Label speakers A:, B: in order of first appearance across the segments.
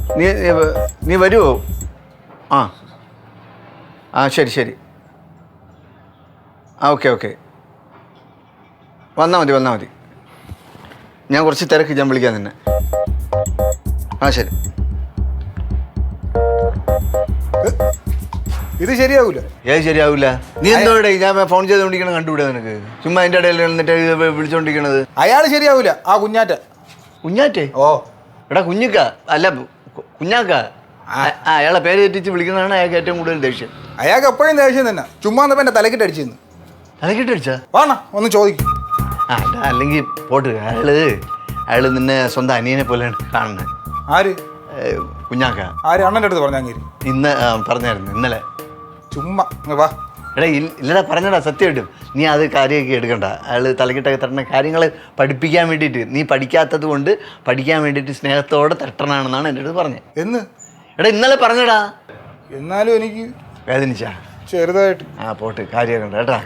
A: നീ വരുമോ? ആ ശരി ശരി. ഓക്കെ വന്നാൽ മതി. ഞാൻ കുറച്ച് തിരക്ക്, ഞാൻ വിളിക്കാം നിന്നെ. ശരി.
B: ഇത് ശരിയാവൂല.
A: ശരിയാവൂല. നീ എന്തോടെ ഞാൻ ഫോൺ ചെയ്തോണ്ടിരിക്കണ കണ്ടുകൂടെ നിനക്ക്? ചുമ്മാ അതിൻ്റെ ഇടയിൽ എന്നിട്ട് വിളിച്ചോണ്ടിരിക്കണത്.
B: അയാൾ ശരിയാവൂല. ആ
A: കുഞ്ഞാറ്റേ? എടാ കുഞ്ഞിക്ക അല്ല കുഞ്ഞാക്ക. അയാളെ പേര് തെറ്റിച്ച് വിളിക്കുന്നതാണ് അയാൾക്ക് ഏറ്റവും കൂടുതൽ ദേഷ്യം.
B: അയാൾക്ക് എപ്പോഴും ദേഷ്യം തന്നെ. ചുമ്മാ എന്റെ തലക്കിട്ടടിച്ചെന്ന്.
A: തലക്കിട്ടടിച്ചാ?
B: വാണ ഒന്ന് ചോദിക്കും.
A: അല്ലെങ്കിൽ പോട്ട്. അയാള് നിന്നെ സ്വന്തം അനിയനെ പോലെയാണ് കാണുന്നത്.
B: ആര്?
A: കുഞ്ഞാക്ക.
B: ആര്? അണ്ണൻ്റെ അടുത്ത് പറഞ്ഞാൽ
A: ഇന്ന് പറഞ്ഞായിരുന്നു ഇന്നലെ.
B: ചുമ്മാ വാ.
A: എടാ ഇല്ലടാ, പറഞ്ഞടാ സത്യമായിട്ടും. നീ അത് കാര്യമൊക്കെ എടുക്കണ്ട. അയാൾ തലക്കിട്ടൊക്കെ തട്ടുന്ന കാര്യങ്ങൾ പഠിപ്പിക്കാൻ വേണ്ടിയിട്ട്, നീ പഠിക്കാത്തത് കൊണ്ട് പഠിക്കാൻ വേണ്ടിയിട്ട് സ്നേഹത്തോടെ തട്ടണമെന്നാണ് എൻ്റെ അടുത്ത് പറഞ്ഞത്.
B: എന്ന്?
A: എടാ ഇന്നലെ പറഞ്ഞടാ.
B: എന്നാലും എനിക്ക്
A: വേദനിച്ചാ?
B: ചെറുതായിട്ട്.
A: പോട്ട്, കാര്യമൊക്കെ ഉണ്ട് കേട്ടാ.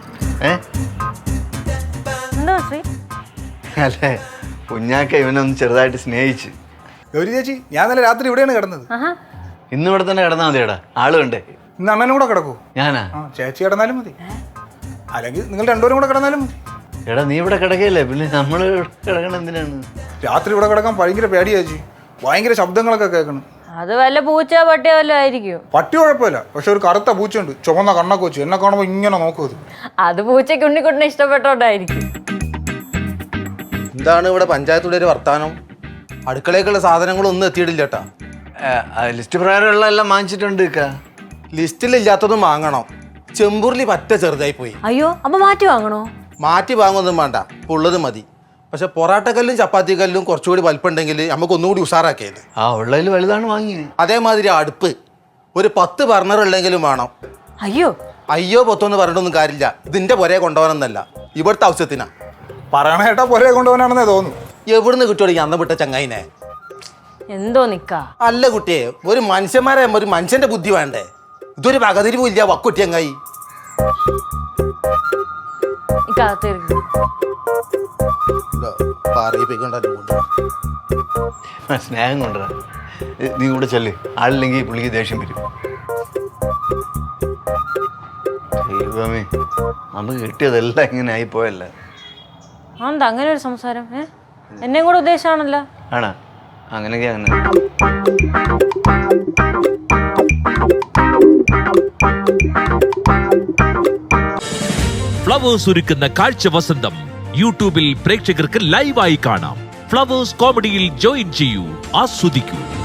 A: അല്ലേ കുഞ്ഞാക്ക ഇവനൊന്ന് ചെറുതായിട്ട് സ്നേഹിച്ച്.
B: ഗൗരി ചേച്ചി, ഞാൻ നല്ല രാത്രി ഇവിടെയാണ് കിടന്നത്.
A: ഇന്ന് ഇവിടെ തന്നെ കിടന്നാൽ മതിയടാ, ആള് കണ്ടേ.
B: ഇന്ന് അണ്ണനും കൂടെ കിടക്കൂ?
A: ഞാനാ?
B: ചേച്ചി കിടന്നാലും മതി, അല്ലെങ്കിൽ നിങ്ങൾ രണ്ടുപേരും കൂടെ കിടന്നാലും മതി.
A: എടാ നീ ഇവിടെ കിടക്കല്ലേ, പിന്നെ നമ്മൾ കിടക്കണം എന്തിനാണ്?
B: രാത്രി ഇവിടെ കിടക്കാൻ ഭയങ്കര പേടിയാ ചേച്ചി. ഭയങ്കര ശബ്ദങ്ങളൊക്കെ കേൾക്കണം.
C: അത് വല്ല പൂച്ച പട്ടിയോ വല്ലോ ആയിരിക്കും.
B: പട്ടി കുഴപ്പമില്ല, പക്ഷെ ഒരു കറുത്ത പൂച്ചയുണ്ട്, ചുവന്ന കണ്ണൊക്കെ വെച്ച്. എന്നെ കാണുമ്പോൾ ഇങ്ങനെ നോക്കും.
C: അത് പൂച്ചയ്ക്ക് ഉണ്ണിക്കുട്ടിനെ ഇഷ്ടപ്പെട്ടോണ്ടായിരിക്കും.
D: എന്താണ് ഇവിടെ പഞ്ചായത്തുടെ ഒരു വർത്താനം? അടുക്കളയ്ക്കുള്ള സാധനങ്ങളൊന്നും എത്തിയിട്ടില്ല കേട്ടാ.
A: ലിസ്റ്റ് പ്രകാരമുള്ള എല്ലാം വാങ്ങിച്ചിട്ടുണ്ട്.
D: ലിസ്റ്റിലില്ലാത്തതും വാങ്ങണം. ചെമ്പൂരിൽ പറ്റ ചെറുതായി പോയി.
C: അയ്യോ, അപ്പൊ മാറ്റി വാങ്ങണോ?
D: മാറ്റി വാങ്ങൊന്നും വേണ്ട, ഉള്ളത് മതി. പക്ഷെ പൊറാട്ടക്കല്ലും ചപ്പാത്തി കല്ലും കുറച്ചുകൂടി വലിപ്പുണ്ടെങ്കിൽ നമുക്ക് ഒന്നുകൂടി ഉഷാറാക്കിയത്.
A: ഉള്ളതിൽ വലുതാണ് വാങ്ങിയത്.
D: അതേമാതിരി അടുപ്പ് ഒരു 10 ബർണർ ഉള്ളെങ്കിലും വേണം. അയ്യോ പൊത്തൊന്ന് പറഞ്ഞിട്ടൊന്നും കാര്യമില്ല. ഇതിന്റെ പുരയെ കൊണ്ടുപോകാനൊന്നല്ല, ഇവിടുത്തെ ആവശ്യത്തിനാ.
B: പറയണ കേട്ടാ പുരയെ കൊണ്ടുപോകാനാണെന്നേ തോന്നുന്നു.
D: എവിടുന്ന് കിട്ടുവാണെങ്കിൽ അന്ന് വിട്ട ചങ്ങായിനെ
C: എന്തോ നിക്കാ.
D: അല്ല കുട്ടിയെ, ഒരു മനുഷ്യന്മാരെ ഒരു മനുഷ്യന്റെ ബുദ്ധി വേണ്ടേ? ഇതൊരു പകതിരിവും ഇല്ല വക്കുട്ടി ചങ്ങായി.
A: സ്നേഹം കൊണ്ടുവരാ. നീ കൂടെ ചെല്ല്, ആളില്ലെങ്കിൽ പുള്ളിക്ക് ദേഷ്യം വരും. ദൈവമേ, നമുക്ക് കിട്ടിയതെല്ലാം ഇങ്ങനെ ആയിപ്പോയല്ലേ.
C: എന്താ അങ്ങനെ ഒരു സംസാരം? എന്നെയും കൂടെ ഉദ്ദേശമാണല്ലോ.
A: ആണോ? അങ്ങനെയൊക്കെ അങ്ങനെ.
E: ഫ്ലവേഴ്സ് ഒരുക്കുന്ന കാഴ്ച വസന്തം യൂട്യൂബിൽ പ്രേക്ഷകർക്ക് ലൈവായി കാണാം. ഫ്ലവേഴ്സ് കോമഡിയിൽ ജോയിൻ ചെയ്യൂ, ആസ്വദിക്കൂ.